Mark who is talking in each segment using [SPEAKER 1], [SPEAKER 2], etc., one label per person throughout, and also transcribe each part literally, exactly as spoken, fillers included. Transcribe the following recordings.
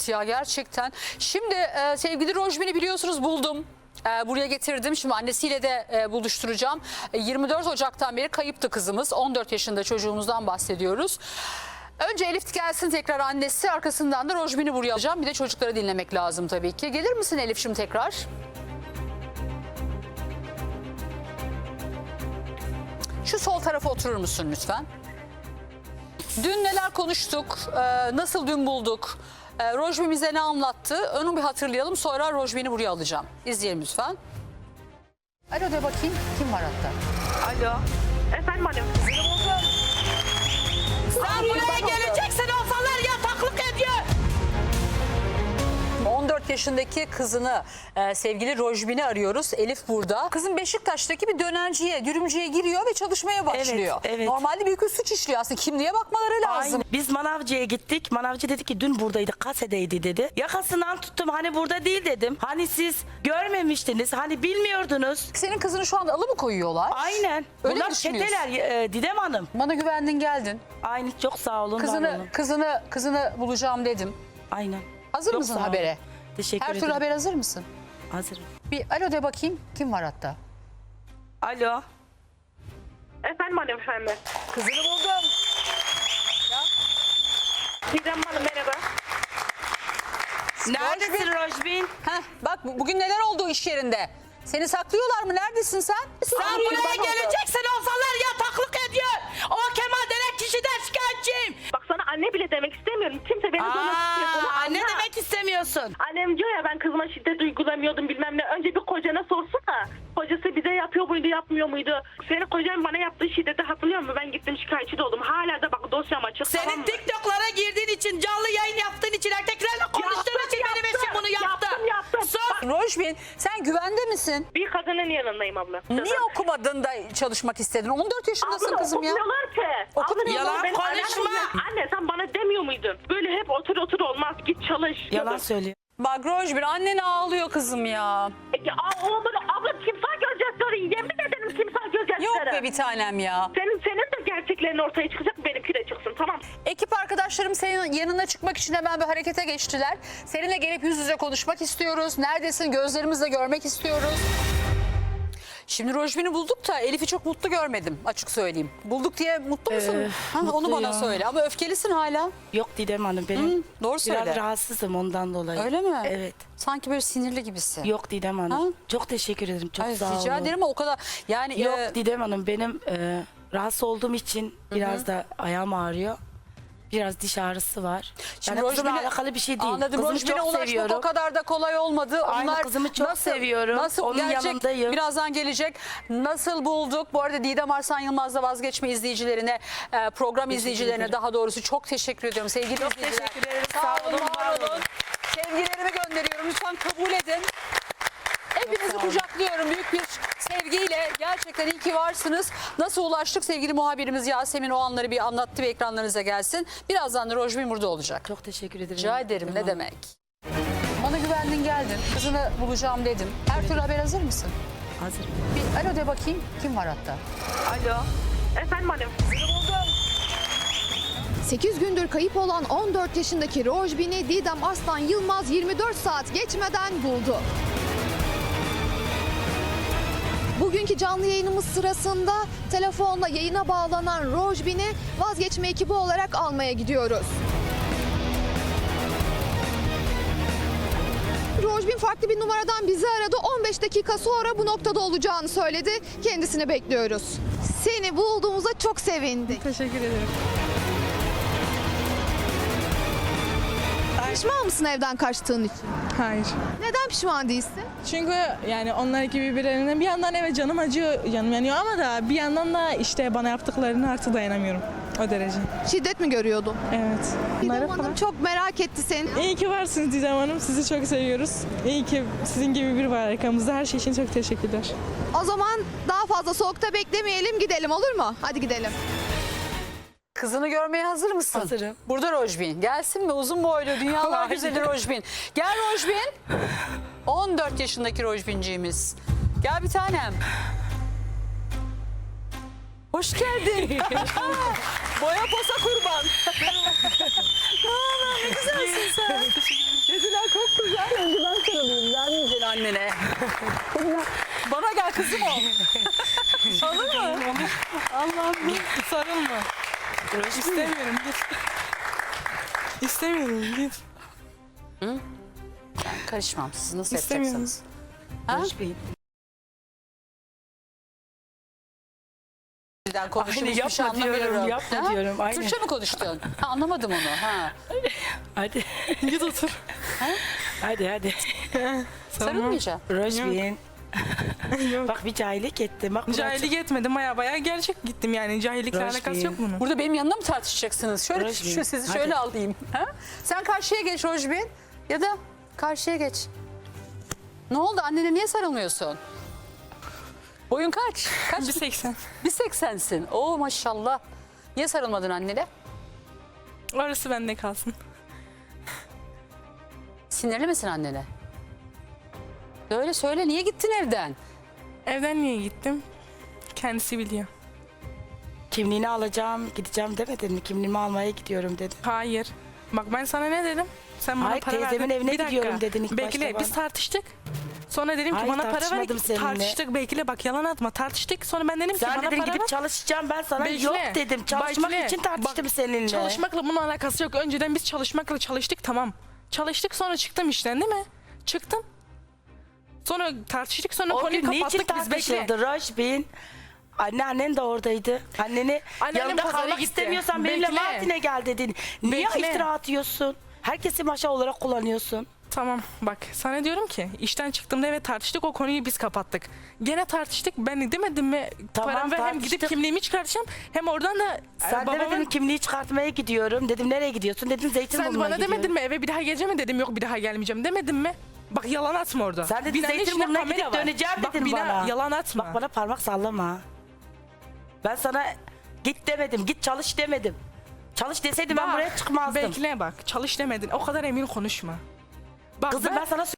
[SPEAKER 1] Ya gerçekten. Şimdi e, sevgili Rojbin'i biliyorsunuz buldum. E, buraya getirdim. Şimdi annesiyle de e, buluşturacağım. E, yirmi dört Ocak'tan beri kayıptı kızımız. on dört yaşında çocuğumuzdan bahsediyoruz. Önce Elif gelsin tekrar annesi. Arkasından da Rojbin'i buraya alacağım. Bir de çocukları dinlemek lazım tabii ki. Gelir misin Elif şimdi tekrar? Şu sol tarafa oturur musun lütfen? Dün neler konuştuk? E, nasıl dün bulduk? E, Rojbin bize ne anlattı? Onu bir hatırlayalım. Sonra Rojbin'i buraya alacağım. İzleyelim lütfen. Alo de bakayım. Kim var hatta?
[SPEAKER 2] Alo. Efendim annem.
[SPEAKER 3] Sen buraya geleceksin olsalar yataklık ediyor.
[SPEAKER 1] on dört yaşındaki kızını e, sevgili Rojbin'i arıyoruz. Elif burada. Kızın Beşiktaş'taki bir dönerciye, dürümcüye giriyor ve çalışmaya başlıyor.
[SPEAKER 3] Evet, evet.
[SPEAKER 1] Normalde büyük bir suç işliyor aslında. Kimliğe bakmaları lazım.
[SPEAKER 3] Aynen. Biz manavcıya gittik. Manavcı dedi ki dün buradaydı, kasedeydi dedi. Yakasından tuttum, hani burada değil dedim. Hani siz görmemiştiniz, hani bilmiyordunuz.
[SPEAKER 1] Senin kızını şu anda alı mı koyuyorlar?
[SPEAKER 3] Aynen.
[SPEAKER 1] Öyle mi
[SPEAKER 3] Bunlar
[SPEAKER 1] düşünüyorsun?
[SPEAKER 3] çeteler e, Didem Hanım.
[SPEAKER 1] Bana güvendin geldin.
[SPEAKER 3] Aynen, çok sağ olun. var
[SPEAKER 1] Kızını
[SPEAKER 3] olun.
[SPEAKER 1] kızını kızını bulacağım dedim.
[SPEAKER 3] Aynen.
[SPEAKER 1] Hazır
[SPEAKER 3] Çok
[SPEAKER 1] mısın
[SPEAKER 3] sağ olun.
[SPEAKER 1] habere?
[SPEAKER 3] Teşekkür
[SPEAKER 1] Her
[SPEAKER 3] ederim.
[SPEAKER 1] türlü haber hazır mısın?
[SPEAKER 3] Hazırım.
[SPEAKER 1] Bir alo de bakayım. Kim var hatta?
[SPEAKER 3] Alo.
[SPEAKER 2] Efendim annem efendim.
[SPEAKER 1] Kızını buldum.
[SPEAKER 2] Didem Hanım merhaba.
[SPEAKER 3] Neredesin Rojbin?
[SPEAKER 1] Heh, bak bu- bugün neler oldu iş yerinde? Seni saklıyorlar mı? Neredesin sen?
[SPEAKER 3] Sen
[SPEAKER 2] Ay,
[SPEAKER 3] buraya
[SPEAKER 2] kurban oldu.
[SPEAKER 3] geleceksin olsalar yataklık ediyor. O Kemal denen kişiden şikayetçiyim.
[SPEAKER 2] Bak sana anne bile demek istemiyorum. Kimse beni duymak istemiyor. Bunu
[SPEAKER 3] Aa, ne
[SPEAKER 2] anla.
[SPEAKER 3] demek istemiyorsun?
[SPEAKER 2] Annem diyor ya ben kızıma şiddet uygulamıyordum bilmem ne. Önce bir kocana sorsana. Kocası bize yapıyor muydu yapmıyor muydu? Senin kocan bana yaptığı şiddeti hatırlıyor musun? Ben gittim şikayetçi de oldum. Hala da bak dosyam açık. tamam
[SPEAKER 3] Senin
[SPEAKER 2] mı?
[SPEAKER 3] TikTok'lara girdiğin için, canlı yayın yaptığın için, erkeklerle konuştuğun
[SPEAKER 2] Yaptım,
[SPEAKER 3] için benim
[SPEAKER 2] yaptım.
[SPEAKER 3] eşim bunu yaptı.
[SPEAKER 2] Yaptım, yaptım.
[SPEAKER 3] Sus.
[SPEAKER 1] Rojbin sen güvende misin?
[SPEAKER 2] Bir kadının yanındayım abla.
[SPEAKER 1] Niye okumadın da çalışmak istedin? on dört yaşındasın
[SPEAKER 2] Abla
[SPEAKER 1] kızım ya.
[SPEAKER 2] okutmuyorlar ki.
[SPEAKER 1] Okutmuyorlar.
[SPEAKER 2] Abla,
[SPEAKER 3] Yalan
[SPEAKER 2] benim
[SPEAKER 3] konuşma.
[SPEAKER 2] annem- Anne sen bana demiyor muydun? Böyle hep otur otur olmaz. Git çalış.
[SPEAKER 3] Yalan söylüyor.
[SPEAKER 1] Bak Rojbin annen ağlıyor kızım ya.
[SPEAKER 2] Peki aa, oğlum, abla timsah gözyaşları. Yemin ederim timsah gözyaşları.
[SPEAKER 1] Yok be bir tanem ya.
[SPEAKER 2] Senin, senin de gerçeklerin ortaya çıkacak, benimki de çıksın, tamam.
[SPEAKER 1] Ekip arkadaşlarım senin yanına çıkmak için hemen bir harekete geçtiler. Seninle gelip yüz yüze konuşmak istiyoruz. Neredesin? Gözlerimizle görmek istiyoruz. Şimdi Rojbin'i bulduk da Elif'i çok mutlu görmedim açık söyleyeyim. Bulduk diye mutlu musun?
[SPEAKER 3] Ee,
[SPEAKER 1] ha, onu
[SPEAKER 3] mutluyum.
[SPEAKER 1] bana söyle ama öfkelisin hala.
[SPEAKER 3] Yok Didem Hanım, benim
[SPEAKER 1] Hı, doğru
[SPEAKER 3] biraz
[SPEAKER 1] söyle.
[SPEAKER 3] rahatsızım ondan dolayı.
[SPEAKER 1] Öyle mi?
[SPEAKER 3] Evet.
[SPEAKER 1] Sanki böyle sinirli gibisin.
[SPEAKER 3] Yok Didem Hanım.
[SPEAKER 1] Ha?
[SPEAKER 3] Çok teşekkür ederim. Çok
[SPEAKER 1] Ay,
[SPEAKER 3] sağ olun.
[SPEAKER 1] rica ederim ama o kadar yani
[SPEAKER 3] Yok
[SPEAKER 1] e,
[SPEAKER 3] Didem Hanım, benim e, rahatsız olduğum için biraz da ayağım ağrıyor. Biraz diş ağrısı var.
[SPEAKER 1] Şimdi
[SPEAKER 3] Yani kızımla
[SPEAKER 1] Rojbin'e-
[SPEAKER 3] alakalı bir şey değil.
[SPEAKER 1] Anladım.
[SPEAKER 3] Kızımı
[SPEAKER 1] Rojbin'e
[SPEAKER 3] çok
[SPEAKER 1] ulaşmak
[SPEAKER 3] seviyorum.
[SPEAKER 1] o kadar da kolay olmadı.
[SPEAKER 3] Aynen,
[SPEAKER 1] Onlar
[SPEAKER 3] kızımı çok
[SPEAKER 1] nasıl,
[SPEAKER 3] seviyorum.
[SPEAKER 1] Nasıl
[SPEAKER 3] Onun
[SPEAKER 1] gelecek?
[SPEAKER 3] yanındayım.
[SPEAKER 1] Birazdan gelecek. Nasıl bulduk? Bu arada Didem Arslan Yılmaz'da vazgeçme izleyicilerine, e, program izleyicilerine
[SPEAKER 3] ederim.
[SPEAKER 1] daha doğrusu çok teşekkür ediyorum sevgili
[SPEAKER 3] Çok
[SPEAKER 1] izleyiciler.
[SPEAKER 3] teşekkür ederim.
[SPEAKER 1] Sağ
[SPEAKER 3] Sağ
[SPEAKER 1] olun,
[SPEAKER 3] olun,
[SPEAKER 1] var
[SPEAKER 3] var
[SPEAKER 1] olun.
[SPEAKER 3] olun.
[SPEAKER 1] Sevgilerimi gönderiyorum. Lütfen kabul edin. Hepinizi
[SPEAKER 3] sağ olun.
[SPEAKER 1] kucaklıyorum büyük bir sevgiyle. Gerçekten iyi ki varsınız. Nasıl ulaştık? Sevgili muhabirimiz Yasemin o anları bir anlattı ve ekranlarınıza gelsin. Birazdan da Rojbin burada olacak.
[SPEAKER 3] Çok teşekkür ederim.
[SPEAKER 1] Rica ederim
[SPEAKER 3] Didem
[SPEAKER 1] ne
[SPEAKER 3] Hanım.
[SPEAKER 1] demek. Bana güvendin geldin. Kızını bulacağım dedim. Her türlü haber hazır mısın?
[SPEAKER 3] Hazırım.
[SPEAKER 1] Bir alo de bakayım. Kim var hatta?
[SPEAKER 3] Alo.
[SPEAKER 2] Efendim annem.
[SPEAKER 4] sekiz gündür kayıp olan on dört yaşındaki Rojbin'i Didem Arslan Yılmaz yirmi dört saat geçmeden buldu. Bugünkü canlı yayınımız sırasında telefonla yayına bağlanan Rojbin'i vazgeçme ekibi olarak almaya gidiyoruz. Rojbin farklı bir numaradan bizi aradı. on beş dakika sonra bu noktada olacağını söyledi. Kendisini bekliyoruz. Seni bulduğumuza çok sevindik.
[SPEAKER 5] Teşekkür ederim.
[SPEAKER 4] Pişman mısın evden kaçtığın için?
[SPEAKER 5] Hayır.
[SPEAKER 4] Neden pişman değilsin?
[SPEAKER 5] Çünkü yani onlar gibi birbirlerine bir yandan evet canım acıyor, canım yanıyor ama da bir yandan da işte bana yaptıklarını artık dayanamıyorum. O derece.
[SPEAKER 4] Şiddet mi görüyordun?
[SPEAKER 5] Evet.
[SPEAKER 4] Didem
[SPEAKER 5] Bunları
[SPEAKER 4] Hanım
[SPEAKER 5] falan.
[SPEAKER 4] çok merak etti seni.
[SPEAKER 5] İyi ki varsınız Didem Hanım. Sizi çok seviyoruz. İyi ki sizin gibi biri var arkamızda. Her şey için çok teşekkürler.
[SPEAKER 4] O zaman daha fazla soğukta beklemeyelim, gidelim olur mu? Hadi gidelim.
[SPEAKER 1] Kızını görmeye hazır mısın?
[SPEAKER 3] Hazırım.
[SPEAKER 1] Burada Rojbin. Gelsin mi? Uzun boylu, dünyalar güzeli Rojbin. Gel Rojbin. on dört yaşındaki Rojbinciğimiz. Gel bir tanem. Hoş geldin. Boya posa kurban. Ne haber? Ne güzelsin sen. annene. Bana gel kızım ol. Olur mu? Allah'ım.
[SPEAKER 5] Sarılma. İstemiyorum git. İstemiyorum git.
[SPEAKER 1] Karışmam. Siz nasıl
[SPEAKER 5] İstemiyorum.
[SPEAKER 1] yapacaksınız? Ha?
[SPEAKER 3] Barış Bey.
[SPEAKER 1] Birden konuşup
[SPEAKER 3] Aynı
[SPEAKER 1] hiçbir şey
[SPEAKER 3] yapma diyorum,
[SPEAKER 1] anlamıyorum.
[SPEAKER 3] yapma diyorum, aynı.
[SPEAKER 1] Türkçe mi konuştun? Ha, anlamadım onu. Ha.
[SPEAKER 3] Hadi.
[SPEAKER 5] Git otur.
[SPEAKER 3] Hadi hadi.
[SPEAKER 1] Sarılmayacağım.
[SPEAKER 3] Rojbin.
[SPEAKER 5] Yok.
[SPEAKER 3] Bak bir cahillik ettim. Bak
[SPEAKER 5] Cahillik etmedim baya baya gerçek gittim yani. Cahillikle
[SPEAKER 3] Barış
[SPEAKER 5] alakası
[SPEAKER 3] Bey.
[SPEAKER 5] yok bunun.
[SPEAKER 1] Burada benim yanımda mı tartışacaksınız? Şöyle
[SPEAKER 3] Rojbin,
[SPEAKER 1] şu sizi
[SPEAKER 3] hadi.
[SPEAKER 1] şöyle alayım. Ha? Sen karşıya geç Rojbin. Ya da karşıya geç. Ne oldu? Annene niye sarılmıyorsun? Boyun kaç? Kaç?
[SPEAKER 5] bir seksen.
[SPEAKER 1] bir seksensin. Oo maşallah. Niye sarılmadın annene?
[SPEAKER 5] Orası bende kalsın.
[SPEAKER 1] Sinirli misin annene? Söyle söyle. Niye gittin evden?
[SPEAKER 5] Evden niye gittim? Kendisi biliyor.
[SPEAKER 3] kimliğini alacağım, gideceğim demedin mi? Kimliğimi almaya gidiyorum dedin.
[SPEAKER 5] Hayır. Bak ben sana ne dedim? Sen bana
[SPEAKER 3] Hayır,
[SPEAKER 5] para verdin.
[SPEAKER 3] teyzemin evine
[SPEAKER 5] Bir dakika.
[SPEAKER 3] gidiyorum dedin ilk
[SPEAKER 5] Bekle
[SPEAKER 3] başta
[SPEAKER 5] biz
[SPEAKER 3] bana.
[SPEAKER 5] tartıştık. Sonra dedim ki
[SPEAKER 3] Hayır,
[SPEAKER 5] bana para ver.
[SPEAKER 3] tartışmadım seninle.
[SPEAKER 5] Tartıştık bekle bak yalan atma. Tartıştık sonra ben dedim ki
[SPEAKER 3] Sen
[SPEAKER 5] bana
[SPEAKER 3] dedin
[SPEAKER 5] para
[SPEAKER 3] gidip
[SPEAKER 5] ver.
[SPEAKER 3] çalışacağım, ben sana
[SPEAKER 5] Bekle.
[SPEAKER 3] yok dedim. Çalışmak
[SPEAKER 5] Bekle.
[SPEAKER 3] için tartıştım
[SPEAKER 5] Bak,
[SPEAKER 3] seninle.
[SPEAKER 5] Çalışmakla bunun alakası yok. Önceden biz çalışmakla çalıştık tamam. Çalıştık sonra çıktım işten değil mi? Çıktım. Sonra tartıştık sonra
[SPEAKER 3] O
[SPEAKER 5] konuyu
[SPEAKER 3] gün niçin
[SPEAKER 5] kapattık biz bekle.
[SPEAKER 3] tartışıldı Rojbin? Anneannen de oradaydı. Anneni
[SPEAKER 5] Anneannem
[SPEAKER 3] yanında
[SPEAKER 5] pazara
[SPEAKER 3] kalmak
[SPEAKER 5] gitti.
[SPEAKER 3] istemiyorsan benimle
[SPEAKER 5] Bekle.
[SPEAKER 3] Mardin'e gel dedin. Niye
[SPEAKER 5] Bekle.
[SPEAKER 3] iftira atıyorsun? Herkesi maşa olarak kullanıyorsun.
[SPEAKER 5] Tamam bak sana diyorum ki işten çıktığımda evet tartıştık o konuyu biz kapattık. Gene tartıştık ben demedim mi
[SPEAKER 3] Tamam,
[SPEAKER 5] param ver hem gidip
[SPEAKER 3] tartıştık.
[SPEAKER 5] kimliğimi çıkartacağım hem oradan da
[SPEAKER 3] Sen
[SPEAKER 5] e, babamın...
[SPEAKER 3] demedin mi kimliği çıkartmaya gidiyorum. Dedim nereye gidiyorsun? Dedin
[SPEAKER 5] Sen
[SPEAKER 3] Zeytinburnu'na
[SPEAKER 5] bana
[SPEAKER 3] gidiyorum.
[SPEAKER 5] demedin mi eve bir daha geleceğim mi dedim yok bir daha gelmeyeceğim demedim mi? Bak yalan atma orada.
[SPEAKER 3] Sen dedin
[SPEAKER 5] Binanın içinde
[SPEAKER 3] Zeytinburnu'na
[SPEAKER 5] kamera
[SPEAKER 3] gidip
[SPEAKER 5] var.
[SPEAKER 3] döneceğim
[SPEAKER 5] Bak,
[SPEAKER 3] dedin
[SPEAKER 5] bina-
[SPEAKER 3] bana.
[SPEAKER 5] Yalan atma.
[SPEAKER 3] Bak bana parmak sallama. Ben sana git demedim, git çalış demedim. Çalış deseydim ben
[SPEAKER 5] Bak,
[SPEAKER 3] buraya çıkmazdım.
[SPEAKER 5] Bekle bak çalış demedin o kadar emin konuşma. Bak
[SPEAKER 3] Kızım ben, sana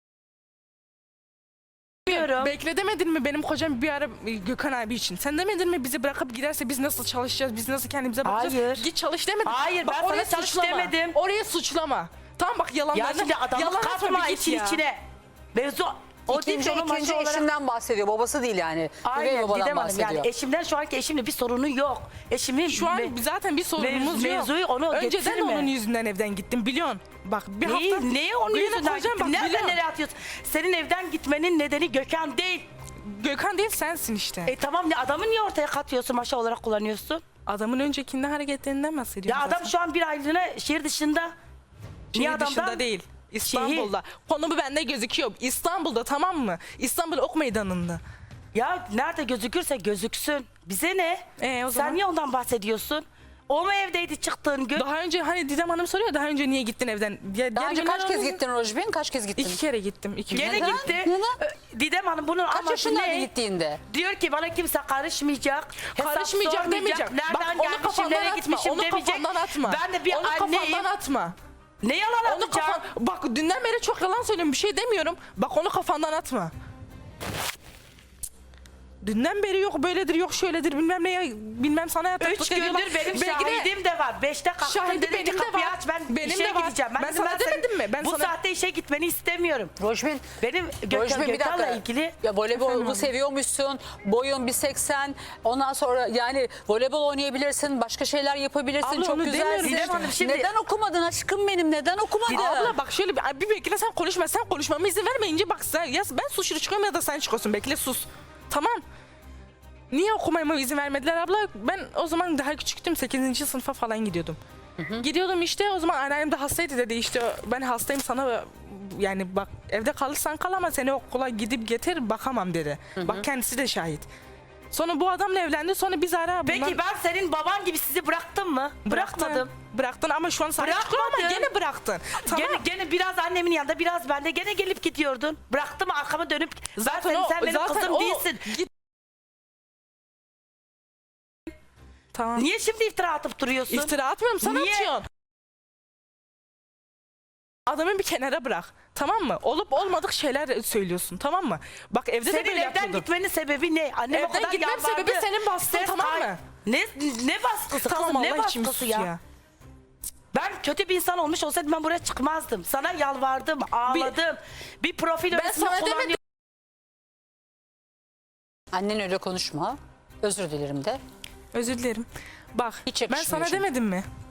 [SPEAKER 3] söylüyorum.
[SPEAKER 5] Bekle demedin mi benim kocam bir ara e, Gökhan abi için? Sen demedin mi bizi bırakıp giderse biz nasıl çalışacağız? Biz nasıl kendimize bakacağız?
[SPEAKER 3] Hayır.
[SPEAKER 5] Git çalış demedin.
[SPEAKER 3] Hayır, ben
[SPEAKER 5] orayı
[SPEAKER 3] sana çalış
[SPEAKER 5] suçlama.
[SPEAKER 3] demedim.
[SPEAKER 5] Oraya suçlama. Tamam bak yalanlarını.
[SPEAKER 3] Ya şimdi adamı
[SPEAKER 5] yalan atma,
[SPEAKER 3] katma
[SPEAKER 5] bir git
[SPEAKER 3] için
[SPEAKER 5] ya.
[SPEAKER 3] içine. Mevzu o değil
[SPEAKER 1] İkinci,
[SPEAKER 3] ki onun
[SPEAKER 1] ikinci
[SPEAKER 3] maşa olarak.
[SPEAKER 1] eşinden bahsediyor. Babası değil yani. Üvey
[SPEAKER 3] Aynen
[SPEAKER 1] babadan
[SPEAKER 3] Didem Hanım
[SPEAKER 1] bahsediyor.
[SPEAKER 3] yani eşimden şu anki eşimle bir sorunu yok. Eşimin
[SPEAKER 5] Şu an
[SPEAKER 3] me-
[SPEAKER 5] zaten bir sorunumuz
[SPEAKER 3] mev-
[SPEAKER 5] yok.
[SPEAKER 3] mevzuyu onu
[SPEAKER 5] Önceden
[SPEAKER 3] getirme.
[SPEAKER 5] onun yüzünden evden gittim biliyorsun. Bak bir
[SPEAKER 3] Neyi,
[SPEAKER 5] hafta.
[SPEAKER 3] neyi onun
[SPEAKER 5] Benim
[SPEAKER 3] yüzünden
[SPEAKER 5] kocam
[SPEAKER 3] gittin?
[SPEAKER 5] bak,
[SPEAKER 3] Nereden
[SPEAKER 5] biliyorum.
[SPEAKER 3] nereye atıyorsun? Senin evden gitmenin nedeni Gökhan değil.
[SPEAKER 5] Gökhan değil sensin işte.
[SPEAKER 3] E tamam ne adamı niye ortaya katıyorsun, maşa olarak kullanıyorsun?
[SPEAKER 5] Adamın öncekinde hareketlerinden bahsediyorum
[SPEAKER 3] Ya adam
[SPEAKER 5] zaten.
[SPEAKER 3] şu an bir aylığına şehir dışında. Niye
[SPEAKER 5] Şehir dışında
[SPEAKER 3] adamdan?
[SPEAKER 5] değil. İstanbul'da. Konumu bende gözüküyor. İstanbul'da tamam mı? İstanbul Ok Meydanı'nda.
[SPEAKER 3] Ya nerede gözükürse gözüksün. Bize ne?
[SPEAKER 5] Ee, o
[SPEAKER 3] Sen
[SPEAKER 5] zaman?
[SPEAKER 3] niye ondan bahsediyorsun? O mu evdeydi çıktığın gün?
[SPEAKER 5] Daha önce hani Didem Hanım soruyor daha önce niye gittin evden? Ya,
[SPEAKER 1] Daha
[SPEAKER 5] diğer
[SPEAKER 1] önce
[SPEAKER 5] günler
[SPEAKER 1] kaç kez
[SPEAKER 5] olunca-
[SPEAKER 1] gittin Rojbin? Kaç kez gittin?
[SPEAKER 5] İki kere gittim. İki
[SPEAKER 3] Gene
[SPEAKER 5] gün.
[SPEAKER 3] gitti.
[SPEAKER 1] Neden?
[SPEAKER 3] Ö, Didem Hanım bunun
[SPEAKER 1] Kaç
[SPEAKER 3] amacı
[SPEAKER 1] yaşındaydı
[SPEAKER 3] ne?
[SPEAKER 1] gittiğinde?
[SPEAKER 3] Diyor ki bana kimse karışmayacak. hesap
[SPEAKER 5] Karışmayacak
[SPEAKER 3] sormayacak,
[SPEAKER 5] demeyecek.
[SPEAKER 3] Nereden
[SPEAKER 5] Bak onu
[SPEAKER 3] gelmişim,
[SPEAKER 5] kafandan
[SPEAKER 3] nereye
[SPEAKER 5] atma.
[SPEAKER 3] gitmişim
[SPEAKER 5] Onu
[SPEAKER 3] demeyecek.
[SPEAKER 5] kafandan atma.
[SPEAKER 3] Ben de bir
[SPEAKER 5] onu
[SPEAKER 3] anneyim.
[SPEAKER 5] kafandan atma.
[SPEAKER 3] Ne yalan
[SPEAKER 5] Onu
[SPEAKER 3] atacağım?
[SPEAKER 5] kafan... Bak dünden beri çok yalan söylüyorum. Bir şey demiyorum. Bak onu kafandan atma. Dünden beri yok böyledir yok şöyledir bilmem ne ya, bilmem sana yataklık
[SPEAKER 3] Üç
[SPEAKER 5] ediyorlar.
[SPEAKER 3] gündür benim
[SPEAKER 5] Belki de-
[SPEAKER 3] şahidim de var. Beşte kalktım
[SPEAKER 5] Şahidi
[SPEAKER 3] dedim ki
[SPEAKER 5] benim de
[SPEAKER 3] kapıyı
[SPEAKER 5] var.
[SPEAKER 3] aç ben
[SPEAKER 5] Benim
[SPEAKER 3] işe
[SPEAKER 5] de var.
[SPEAKER 3] gideceğim.
[SPEAKER 5] Ben
[SPEAKER 3] dedim,
[SPEAKER 5] sana
[SPEAKER 3] senin
[SPEAKER 5] demedim mi? Ben
[SPEAKER 3] bu
[SPEAKER 5] sana-
[SPEAKER 3] saatte işe gitmeni istemiyorum.
[SPEAKER 1] Rojbin,
[SPEAKER 3] Benim Gökhan,
[SPEAKER 1] Rojbin bir
[SPEAKER 3] Gökhan'la
[SPEAKER 1] dakika.
[SPEAKER 3] ilgili
[SPEAKER 1] Ya voleybolu
[SPEAKER 5] Efendim?
[SPEAKER 1] seviyormuşsun. Boyun bir seksen. Ondan sonra yani voleybol oynayabilirsin. Başka şeyler yapabilirsin.
[SPEAKER 5] Abla
[SPEAKER 1] Çok
[SPEAKER 5] onu
[SPEAKER 1] güzelsin.
[SPEAKER 5] demiyorum
[SPEAKER 3] Didem Hanım, şimdi-
[SPEAKER 1] Neden okumadın aşkım benim? Neden okumadın?
[SPEAKER 5] Abla bak şöyle bir, bir bekle sen konuşma. Sen konuşmama izin vermeyince bak sen, ya ben suçlu çıkıyorum ya da sen çıkıyorsun. Bekle sus. Tamam. Niye okumama izin vermediler abla? Ben o zaman daha küçüktüm. sekizinci sınıfa falan gidiyordum. Gidiyordum işte o zaman anneannem de hastaydı dedi işte ben hastayım sana yani bak evde kalırsan kal ama seni okula gidip getir bakamam dedi. Bak kendisi de şahit. Sonra bu adamla evlendi sonra biz ara bundan...
[SPEAKER 3] Peki ben senin baban gibi sizi bıraktım mı?
[SPEAKER 5] Bıraktın.
[SPEAKER 3] Bırakmadım.
[SPEAKER 5] Bıraktın ama şu an sahip çıkıyor ama
[SPEAKER 3] Bırakmadım.
[SPEAKER 5] gene bıraktın. Tamam.
[SPEAKER 3] Gene, gene biraz annemin yanında biraz bende gene gelip gidiyordun. Bıraktım arkama dönüp zaten,
[SPEAKER 5] Zaten o-
[SPEAKER 3] sen benim
[SPEAKER 5] zaten
[SPEAKER 3] kızım
[SPEAKER 5] o-
[SPEAKER 3] değilsin.
[SPEAKER 5] Git. Tamam.
[SPEAKER 3] Niye şimdi iftira atıp duruyorsun?
[SPEAKER 5] İftira atmıyorum sana
[SPEAKER 3] Niye?
[SPEAKER 5] atıyorsun. Adamı bir kenara bırak. Tamam mı? Olup olmadık şeyler söylüyorsun. Tamam mı? Bak evde de
[SPEAKER 3] Senin
[SPEAKER 5] böyle
[SPEAKER 3] evden
[SPEAKER 5] yapıyordun.
[SPEAKER 3] gitmenin sebebi ne? Annem o
[SPEAKER 5] Evden
[SPEAKER 3] kadar
[SPEAKER 5] gitmem
[SPEAKER 3] yalvardı.
[SPEAKER 5] sebebi senin baskın,
[SPEAKER 3] Ses
[SPEAKER 5] tamam
[SPEAKER 3] kay-
[SPEAKER 5] mı?
[SPEAKER 3] Ne ne baskısı
[SPEAKER 5] Tamam
[SPEAKER 3] kızım ne
[SPEAKER 5] Allah için bir
[SPEAKER 3] baskısı
[SPEAKER 5] sus
[SPEAKER 3] ya?
[SPEAKER 5] ya.
[SPEAKER 3] Ben kötü bir insan olmuş olsaydım ben buraya çıkmazdım. Sana yalvardım, ağladım. Bir, profil
[SPEAKER 5] Ben
[SPEAKER 3] resmi
[SPEAKER 5] sana
[SPEAKER 3] kullanıyorum.
[SPEAKER 5] demedim.
[SPEAKER 1] Annen öyle konuşma. Özür dilerim de.
[SPEAKER 5] Özür dilerim. Bak
[SPEAKER 1] Hiç
[SPEAKER 5] ben
[SPEAKER 1] yakışmıyor
[SPEAKER 5] sana
[SPEAKER 1] çünkü.
[SPEAKER 5] demedim mi?